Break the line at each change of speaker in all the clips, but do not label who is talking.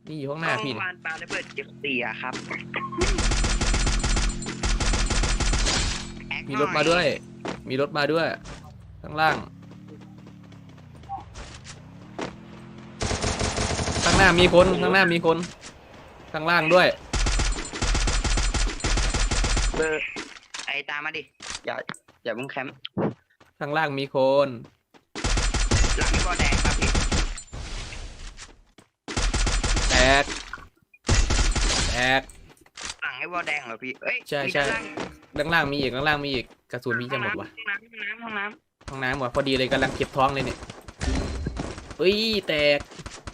นี่อยู่ข้างหน้าพี่
เมื่อวานปาระเบิดเก็บเสียครับ
มีรถมาด้วย มีรถมาด้วยข้างล่างข้างหน้ามีคนข้างหน้ามีคนข้างล่างด้วย
เบอร์ไอตามมาดิอย่าเพิ่งแคมป์
ข้างล่างมีคน
หลังบอลแดงครับพี่
แตกแตก
หลังไอ้บอลแดงเหรอพี่เอ้ย
ใช่
มี
ใช่
ด้านล่าง
ด้านล่างมีอีกด้านล่างมีอีกกระสุนมีจะหมดวะ
ห้องน้
ห้องน้ำหมดพอดีเลยกำลังเก็บท้องเลยเนี่ยเฮ้ยแตก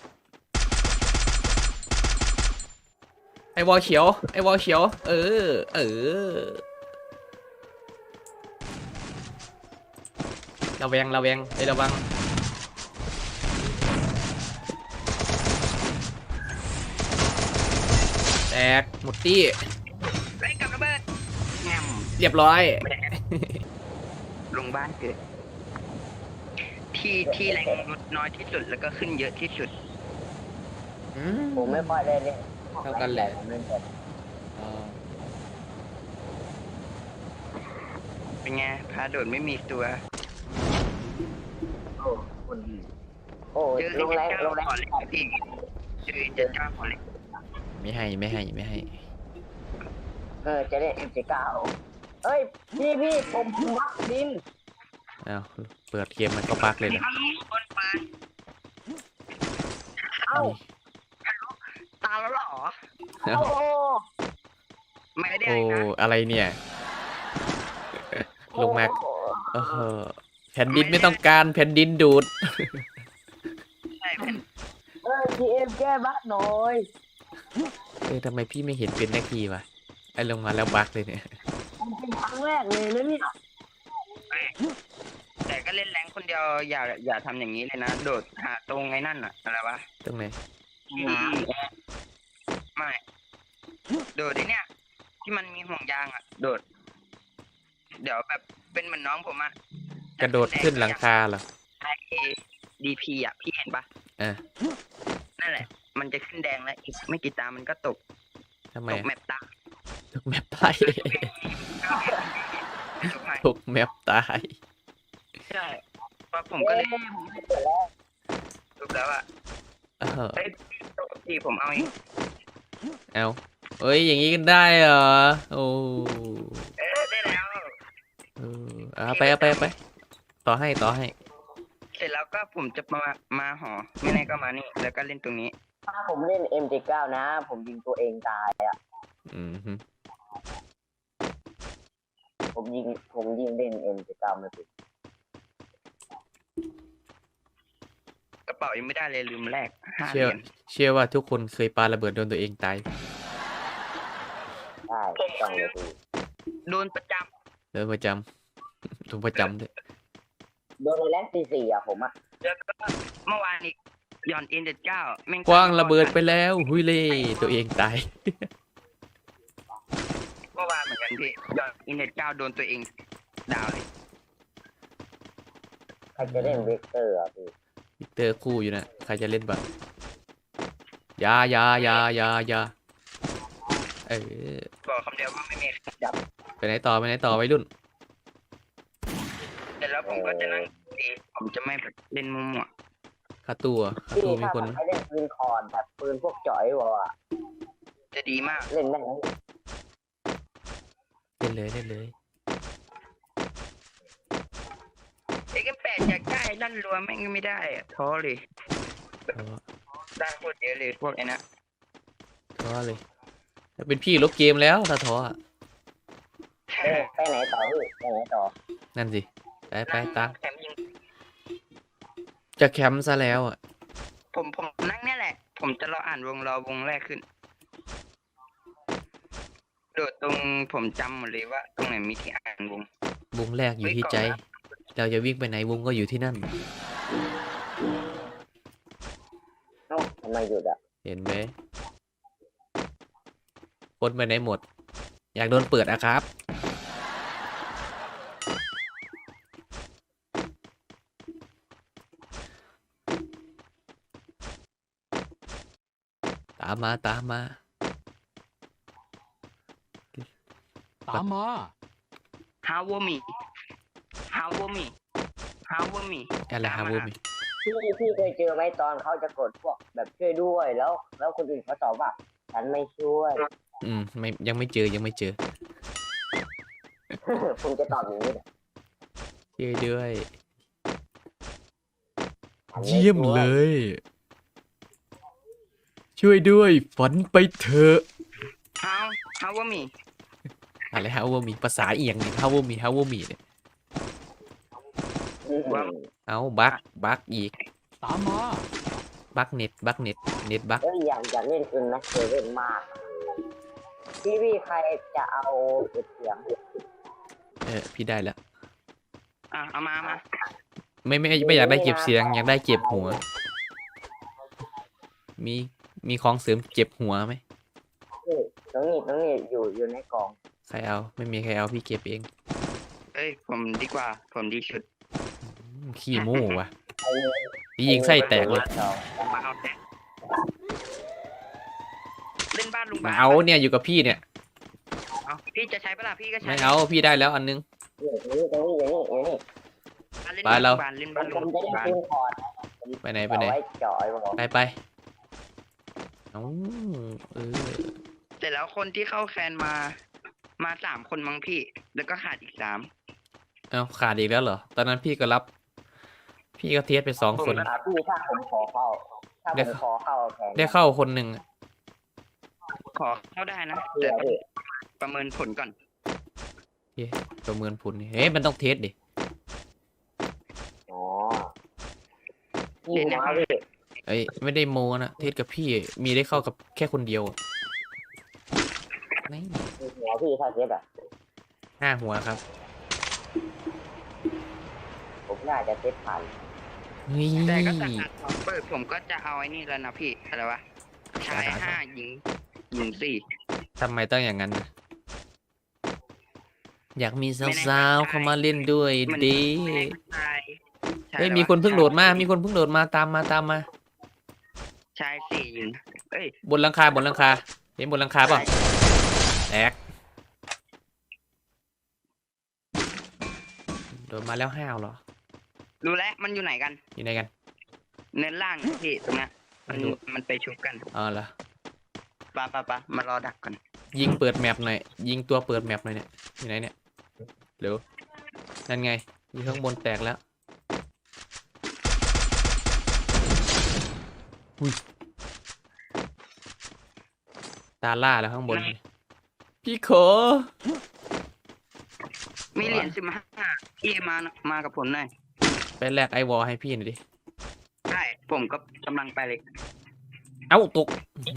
ไอวอลเขียวไอวอลเขียวระแวงไอระวังแตกหมดตี้
ำไล่กับระเบิดแงม
เรียบร้อย
ลงบ้านเกิดที่แรงลดน้อยที่สุดแล้วก็ขึ้นเยอะที่สุด
ผมไม่ค่อยได้เล่น
เท่ากันแหละ
ผมเล่นแต่
เป็นไงพาโดดไม่มีตัว
โอ้คนดีโอ้
เจอ
ลงแรง
เจ้า
ลงแรง
ขอเล็กพี่เจอเจ้าขอเล็ก
ไม่ให้
จะเล่น M79 เอ้ยพี่ผมวัดดิน
อ้าวเปิดเกมมันก็บักเลยนะ
คนปาน
เอ้า
ตาแล้วเหรอ
อ้าว
โอ้
ไม่ได้
โอ้
นะ
อะไรเนี่ยลงมาแผ่นดินไม่ต้องการแผ่นดินดูด
ใช่เป็น
GM แก้บั๊กหน่อย
ทำไมพี่ไม่เห็นเป็นนาทีวะไอ้ลงมาแล้วบักเลยเนี่ย
มันเป็นครั้งแรกเลยนะเนี่ย
แต่ก็เล่นแรงคนเดียวอย่าทำอย่างนี้เลยนะโดดหาตรงไอ้นั่นอะอะไรวะ
ตรงไหน
ไม่โดดไอ้เนี่ยที่มันมีห่วงยางอะโดด เดี๋ยวแบบเป็นเหมือนน้องผมอะ
กระโดดขึ้นหลังคาเหรอ
DP อะพี่เห็นปะ
อ่ะ
นั่นแหละ มันจะขึ้นแดงแล้วอีกไม่กี่ตามันก็ตก
ทำไม
ตกแมปตา
ตกแมปตาย
ตกให้
ตกแมปตาย
ใช่เพราะผมก็เลยรู้แล้วอะ
เออ
เฮ้ยพี่ผมเอาเอง
เอาเอ้ยอย่างนี้กันได้เหรอโอ้
ได้แล้ว
เอาไปต่อให้
เสร็จแล้วก็ผมจะมาหอไม่แน่ก็มานี่ แล้วก็เล่นตรงนี้
ถ้าผมเล่น M79 นะ ผมยิงตัวเองตายอ่ะ
อืมฮึ
ผมยิงเล่น M79 ไม่เป็น
กระเป๋ายังไม่ได้เลยลืมแลก5 เห
เชื่อ
รียญ
เชื่อว่าทุกคนเคยปาระเบิดโดนตัวเองตาย
ได้ต้องเลยพี่
โดนประจ
โดนประจำ โดนประจำด้วย
โดนในแรงตี4อ่ะผมอ่ะ
ำแล้วก็เมื่อวานอีกหย่อนN79แม่ง
กว้างระเบิดไปแล้วหุยเล่ตัวเองตาย
เมื่อวานเหมือนกันพี่หย่อนN79โดนตัวเองดาวเลย
ใครจะเล่นเวกเตอร์อ่ะพี่
วิกเตอร์คู่อยู่นะใครจะเล่นบ้างยาเออ
บอกคำเดียวว่าไม่มีใครจับ
ไปไหนต่อวัยรุ่น
เสร็จแล้วผมก็จะนั่งดีผมจะไม่แบบเล่นมั่ว
คาตัวมี
ถ้า
คน
ใครเล่นปืนคอนแบบปืนพวกจ่อยวะ
ๆจะดีมาก
เล่นได้ไหม
เล่นเลย
X8อยากได้ลั่นรัวแม่งไม่ได้อะท้อเลย
ท้อ
ได้โคตรเยอะเลยพวกไอ้นะ
ท้อเลยถ้าเป็นพี่ลบเกมแล้วถ้าท้ออะ
ไปไหนต่อพี่ไปไหนต่อ
นั่นสิไปตาม
แถมยิง
จะแคมป์ซะแล้วอ่ะ
ผมนั่งเนี่ยแหละ ผมจะรออ่านรอวงแรกขึ้น โดดตรงผมจำหมดเลยว่า ตรงไหนมีที่อ่านวง
วงแรกอยู่ที่ใจ เราจะวิ่งไปไหนวงก็อยู่ที่นั่น
เอ้าทำไมหยุดอ่ะ
เห็นไหมคนไปไหนหมด อยากโดนเปิดอะครับตามมาตามมา
ตามมา
ฮาวมีฮาวมีฮาวมี
อะไรฮะวูมิ
พี่เคยเจอไหมตอนเขาจะกดพวกแบบช่วยด้วยแล้วคนอื่นเขาตอบว่าฉันไม่ช่วย
ไม่ยังไม่เจอยังไม่เจอ
คุณจะตอบอย่างนี้เหรอ
ช่วยด้วย
ฉันไ
เยี่ยม
ช่ว
เลย ช่วยด้วยฝันไปเถอะ
ฮาวมี
อะไรฮะวูมิภาษาเอียงนี่ฮะวูมิเนี่ย
อืม
เอาบักอีก
ตามมา
บักเน็ตบัก
เอ้ยอยากเล่นคืนนะเคยเล่นมากพี่ใครจะเอาเก็บเสียง
พี่ได้แล้ว
เอามา
ไม่อยากได้เก็บเสียงอยากได้เก็บหัว มีของเสริมเก็บหัวไหม
น้องนี่อยู่ในกล่อง
ใครเอาไม่มีใครเอาพี่เก็บเอง
เอ้ยผมดีกว่าผมดีสุด
ขี้โม่ว่ะ
เอาเงิน
พี่ยิงไส้แตกเลย
มาเอาแท้เล่นบ้านลุง
มา
บ้าน
เอาเนี่ยอยู่กับพี่เนี่ย
เอาพี่จะใช้ปะล่ะพี่ก็ใช้
ไม่เอาพี่ได้แล้วอันนึง
เล่น
ไปเรา
บ้านเล่นบ้าน
ผ
ลุ
ม
ง
จะได้
บ้าน
ปืนพอร์ต
ไปไหน
เอาไว้เจาะไอ้บอก
ไปเอาเออ
แต่แล้วคนที่เข้าแคนมา3 คนมั้งพี่ แล้วก็ขาดอีก3
เอาขาดอีกแล้วเหรอตอนนั้นพี่ก็รับ พี่ก็เทสไป2 คน
พี่ถ้าผมขอเข้าแทน
ได้เข้าคนหนึ่ง
ขอเข้าได้นะแต่ต้องประเมินผลก่อน
ประเมินผลนี่เฮ้ยมันต้องเทสดิ
อ๋อพี่หัวพี่
เอ้ยไม่ได้โมนะเทสกับพี่มีได้เข้ากับแค่คนเดียวนี่
หัวพี่ถ้าเซฟอ่ะ
5 หัวครับ
ผมน่าจะเซฟผ่าน
นี่
แต่ก็ตัดเปิดผมก็จะเอาไอ้นี่แล้วนะพี่อะไรวะชาย5หญิง4
ทำไมต้องอย่างนั้นนะอยากมีสาวๆเข้ามาเล่นด้วยดี
ชาย
เฮ้ยมีคนเพิ่งโหลดมาตามมา
ชาย4หญิงเอ้ย
บนหลังคาเห็นบนหลังคาเปล่ะแตกโดนมาแล้วห้าวเหรอ
รู้แล้วมันอยู่ไหนกัน
อยู่ไหนกัน
เนินล่างนะพี่ตรงเนี้ยมัน
ไม่รู้
มันไปชุบกัน
อ๋อเหรอ
ปะมารอดักกัน
ยิงเปิดแมปหน่อยยิงตัวเปิดแมปหน่อยเนี่ยอยู่ไหนเนี่ยเร็วนั่นไงอยู่ข้างบนแตกแล้วอุ้ยตาล่าแล้วข้างบนพี่ขอ
มีเหรียญ15พี่มากับผมหน่อย
ไปแลกไอวอลให้พี่หน่อยดิ
ได้ผมก็กำลังไปเลย
เอ้าตก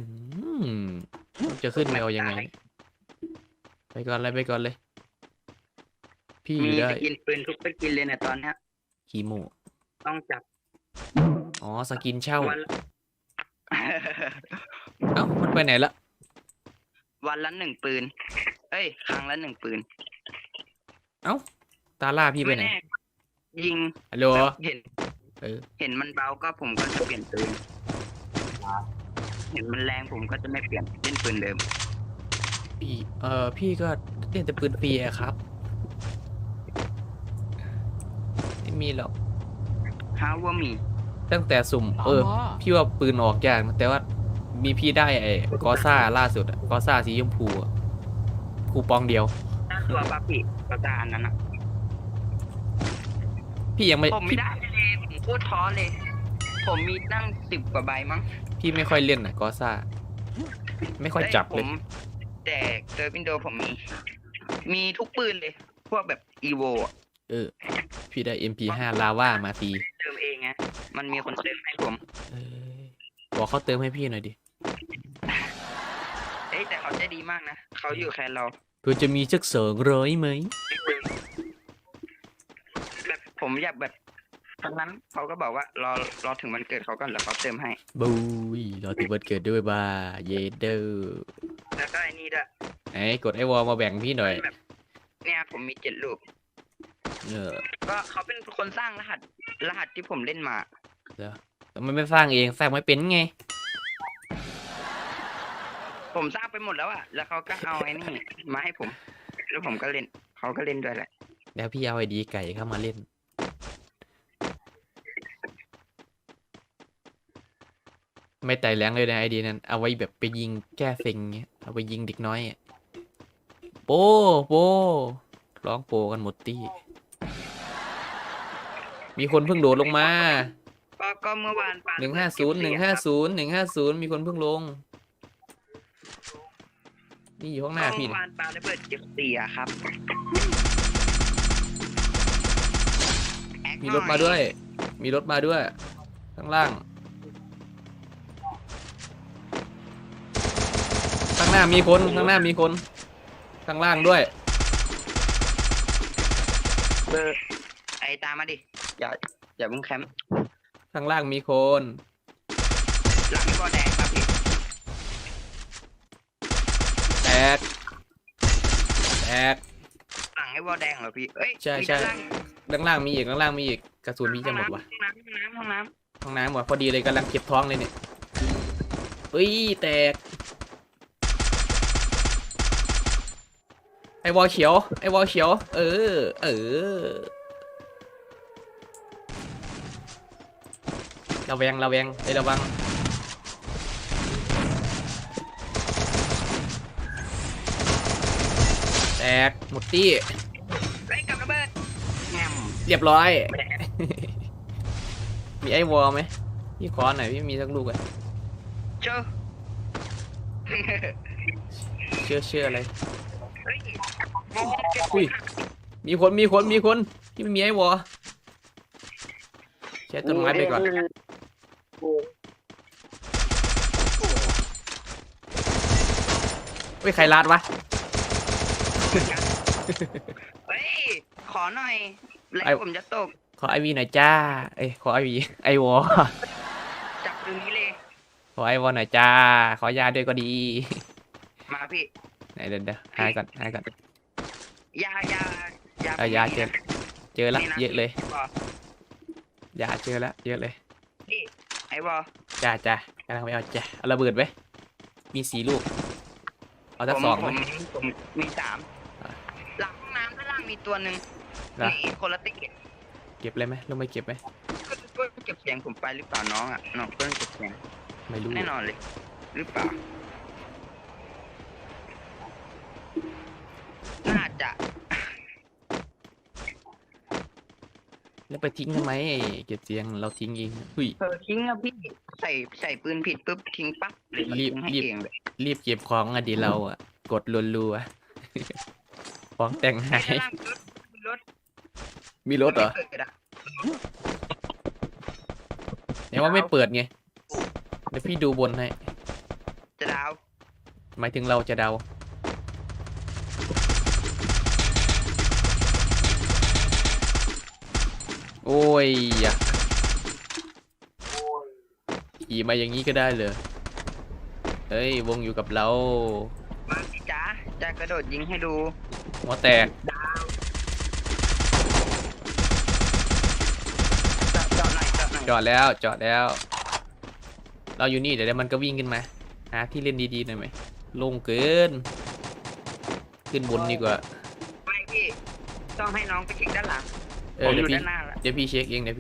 จะขึ้นแมวยังไงไปก่อนเลย พี่
มี
ได้
สกินปืนทุกสกินเลยนะตอนเนี้ย
คีโม
ต้องจับ
อ๋อสกินเช่า
วันละ
เอ้ามันไปไหนละ
วันละ1 ปืนเอ้ยครั้งละ1 ปืน
ตาล่าพี่ไปไหน
แน่ยิง
ฮัลโหล
แบบเห็น
เออ
เห็นมันเบาก็ผมก็จะเปลี่ยนปืนเห็นมันแรงผมก็จะไม่เปลี่ยนเล่นปืนเดิม
พี่ก็เล่นแต่ปืนฟรีอะครับไม่มีหรอก
ฮาวว่ามี
ตั้งแต่สุ่ม
ตามมา
พี่ว่าปืนออกยากนะแต่ว่ามีพี่ได้ไอ้กอซ่าล่าสุดอะกอซ่าสีชมพูอะคูปองเดียว
หน้าตัวปาปิกระจาอันนั้นอ่ะ
พี่ยังไม่
ผมไม่ได้เลยผมพูดท้อเลย ผมมีตั้ง10 กว่าใบมั้ง
พี่ไม่ค่อยเล่นนะกอซ่าไม่ค่อยจับเลย
แต่เจอวินโดว์ผมมีทุกปืนเลย พวกแบบอีโว
พี่ได้ MP5 ลาว่ามาตี
เติมเองไงมันมีคนเติมให้ผม
เออบอกเขาเติมให้พี่หน่อยดิ
เอ้ยแต่เขาใจดีมากนะเขาอยู่แคนเรา
เพื่อจะมีสัก200ไหม
แบบผมอยากแบบตอนนั้นเขาก็บอกว่ารอถึงวันเกิดเขาก่อนแล้วเขาเติมให้
บุยรอถึงวันเกิดด้วยบ้าเยเดอร์
แล้วก็ไอ้นี่ด้วย
ไหนกดไอวอลมาแบ่งพี่หน่อย
เนี่ยผมมี7 ลูก ก็เขาเป็นคนสร้างรหัสที่ผมเล่นมา
แต่มันไม่สร้างเองสร้างไม่เป็นไง
ผมสร้างไปหมดแล้วอะแล้วเขาก็เอาไอ้นี่มาให้ผม แล้วผมก็เล่นเขาก็เล่นด้วยแหละ
แล้วพี่เอาไอดีไก่เข้ามาเล่น ไม่ไต่แรงเลยนะไอดีนั้นเอาไว้แบบไปยิงแก้เซ็งเงี้ยเอาไปยิงเด็กน้อยอะโป้โป้ร้องโปกันหมดตี้มีคนเพิ่งโดดลงมา
ก็เมื่อวานปา
150มีคนเพิ่งลงนี่อยู่ข้างหน้าพี่
เมื่อ
นะ
วานปาระเบิดเก็บเสียครับ
มีรถมาด้วย มีรถมาด้วย ข้างล่าง ข้างหน้ามีคนข้างหน้ามีคน ข้างล่างด้วย
เบอร์ไอตามมาดิอย่าเพิ่งแคมป์
ข้างล่างมีคน
หลังก็แดงครับพี่
แตกแตก
หลังไอ้วอลแดงเหรอพี่เอ้ย
ใช่
มี
ใช่
ด้านล่าง
ข้างล่างมีอีกข้างล่างมีอีกกระสุนมีจะหมดวะ
ห้องน้ำ
ห้องน้ำหมดพอดีเลยกำลังเก็บท้องเลยเนี่ยเฮ้ยแตกไอวอลเขียวไอวอลเขียวเออระแวงไอยระวังแตกหมดตี้
เฮ้ยกับระเบิดแงม
เรียบร้อย มีไอวอลไหมพี่ขอหน่อยพี่มีสักลูกอะ
เจ้า
เชื่ออะไร
เฮ้ย
อุ้ยมีคนที่ไม่มีไอวอลใช้ต้นไม้ไปก่อนเฮ้ยใครลาดวะ
เฮ้ยขอหน่อยแล้
ไอ้
วผมจะตก
ขอไอวีหน่อยจ้าเอ้ยขอไอวีไอวอล
จับตรงนี้เลย
ขอไอวอลหน่อยจ้าขอยาด้วยก็ดี
มาพี่
ไหนเดี๋ยวหายก่อน
ยา
เอายาเจอละ
นี่น
เยอะเลย
บอล
ยาเจอละเยอะเลย
พี่ไอ้บอล
จ้ากำลังไปเอาจ้าเอาระเบิดไว้มี4 ลูกเอาสัก
ผม
2ไหม
ผมมี3
อ่ะ
หลังห้องน้ำด้านล่างมีตัวหนึ่ง
นะ
มีคนละติ๊ก
เก็บเลยไหมลงไปเก็บไหม
ก็เก็บเสียงผมไปหรือเปล่าน้องอ่ะน้องเพิ่งเก็บเสียง
ไม่รู้
แน่นอนเลย หรือเปล่า น่าจะ
แล้วไปทิ้งทำไมเก็บเสียงเราทิ้งเองหุ้ย
ทิ้งอะพี่ใส่ปืนผิดปุ๊บทิ้งปั๊บเลยมัน
รีบ
ทิ้งให้
รีบ
เองเลย
รีบเก็บของอะดีเราอะกดรัวๆ ของแต่งหาย
ด้านล่างรถ
มีรถเหรอ
ไม่เกิดอะ
แต่ว่าไม่เปิดไงเดี๋ยวพี่ดูบนให้
จะดาว
หมายถึงเราจะเดาโอ้ยอะขี่มาอย่างนี้ก็ได้เลยเฮ้ยวงอยู่กับเรา
มาสิจ้าจะกระโดดยิงให้ดู
หัวแตก
เจาะหน่อย
จอดแล้ว เราอยู่นี่เดี๋ยวมันก็วิ่งขึ้นมาหาที่เล่นดีๆหน่อยไหมโลงเกิน ขึ้นบนดีกว่า
ไม่พี่ต้องให้น้องไปเช็คด้านหลัง
เอ
ผ
อ
มอ
เดี๋ยว
ยู่
พี่
ด้านหน้าแล้ว
เดี๋ยวพี่เช็คเอง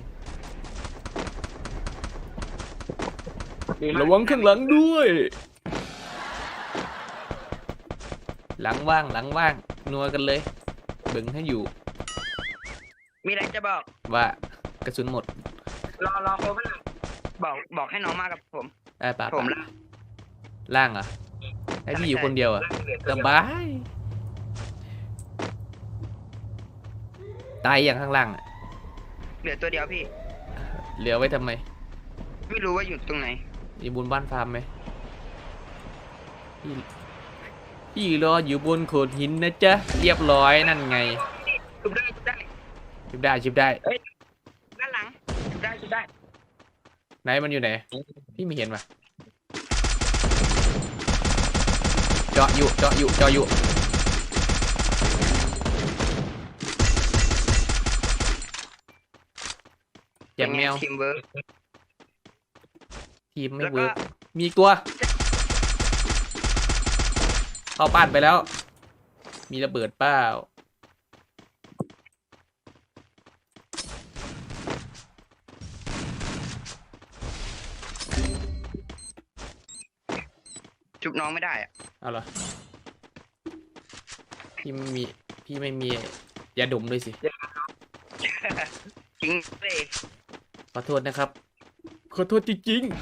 ระวังข้างหลังด้วย หลังว่างนัวกันเลยเบิ่งให้อยู่
มีอะไรจะบอก
ว่ากระสุนหมด
รอโคบ้างบอกให้น้องมากับผม
ได้ป่ะ
ผมละ
ล่างเหรอให้พี่อยู่คนเดียวอ่ะสบายตายอย่างข้างล่างอะ
เหลือตัวเดียวพี่
เหลือไว้ทำไม
ไม่รู้ว่าอยู่ตรงไหน
อยู่บนบ้านฟาร์มไหมพี่รออยู่บนโขดหินนะจ๊ะเรียบร้อยนั่นไง
ชุบได้
ชิบได้
ด้านหลังชุบได้
ไหนมันอยู่ไหนพี่ไม่เห็นว่ะเจาะอยู่แจมแมว
ทีมเวิร์ก
ทีมไม่
แล้ว
เวิ
ก็
ร์กมีอีกตัวเข้าบ้านไปแล้ว มีระเบิดเปล่า
ชุบน้องไม่ได้อะ
เอาเหรอพี่ไม่มียาดมด้วยสิ
ทิ้งเลย
ขอโทษนะครับ ขอโทษจริงๆ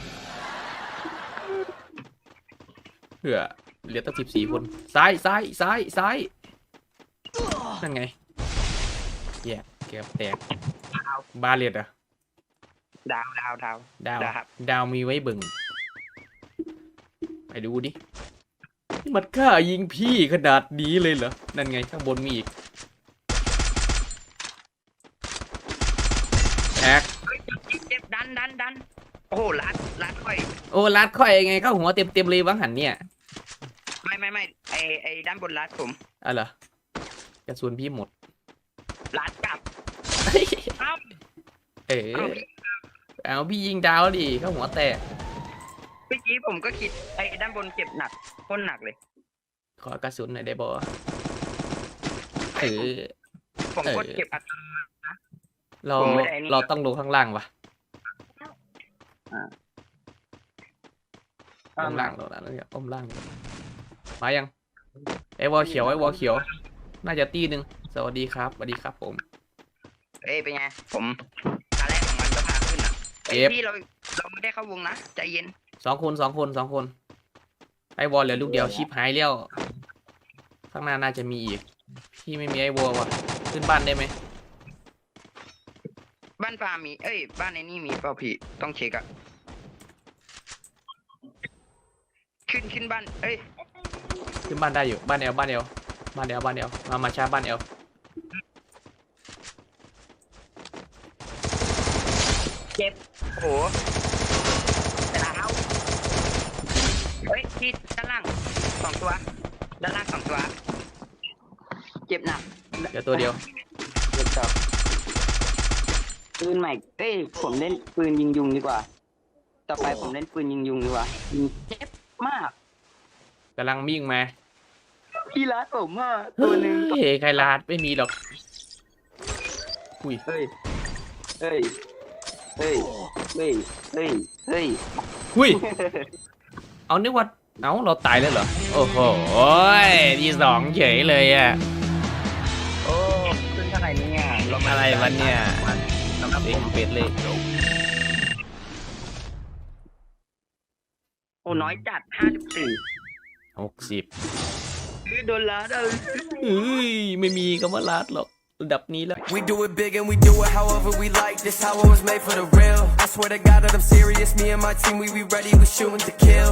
เหลือตั้ง14 คน ซ้ายนั่นไงแย่เกือบแตกบาเลตอะ
ดาว
ดาวมีไว้เบิ่งไปดูดินี่มันกล้ายิงพี่ขนาดนี้เลยเหรอ นั่นไงข้างบนมีอีกแอก
เจ็บดันโอ้โหลัดค่อย
โอ้ลัดค่อยไงเข้าหัวเต็มเลยวังหันเนี่ย
ไม่ไอด้านบนลัดผม
อะเหรอ กระสุนพี่หมด
ลัดกลับเอ้า
เออเอาพี่ยิงดาวดิเข้าหัวแตก
เมื่อกี้ผมก็คิดไอด้านบนเจ็บหนักพ้นหนักเลย
ขอกระสุนหน่อยได้บ่เออ
ผมก็เก็บอัด
เรา
ผมไม่ได้นี่
เราต้องลงข้างล่างวะอ้อมล่างเราแล้วเนี่ยอ้อมล่างดีกว่ามายังไอ้วอลเขียวน่าจะตีหนึ่งสวัสดีครับผม
เอ้ยเป็นไงผมตาแรกของมันก็พาขึ้นอ่ะไอ
เอฟ
พี่เราไม่ได้เข้าวงนะใจเย็น
สองคนไอ้วอลเหลือลูกเดียวชิปหายแล้วข้างหน้าน่าจะมีอีกพี่ไม่มีไอ้วอลว่ะขึ้นบ้านได้ไหม
บ้านปลามีบ้านไอ้นี่มีเปล่าพี่ต้องเช็คอะขึ้นบ้าน
ขึ้นบ้านได้อยู่บ้านเอลมาชาร์จบ้านเอล
เจ็บโอ้โหแต่แล้วที่ด้านล่าง2 ตัวด้านล่าง2 ตัวเจ็บหนัก
เดี๋ยวตัวเดียว
เจ็บต่อปืนใหม่ผมเล่นปืนยิงยุงดีกว่าต่อไปผมเล่นปืนยิงยุงดีกว่าเจ็บมาก
กำลังวิ่งมา
พี่รัดผมอ่ะตัวหนึ่ง
เฮ้ยใครลาดไม่มีหรอกอุ้ย
เฮ้ย
อุ้ยเอานึกว่าเอาเราตายแล้วเหรอโอ้โหที่สองเฉยเลยอ่ะ
โอ้ขึ้นเท่าไหร่เนี่ย
อะไรวะเนี่ยเด็กเป็ดเลย
โอ้น้อยจัด54
60
โดนล้าได้
เฮ้ยไม่มีคำว่าลาดหรอกระดับนี้แล้ว
We do it big and we do it however we like. This how it was made for the real. I swear to God that I'm serious. Me and my team, we be ready. We shooting to kill.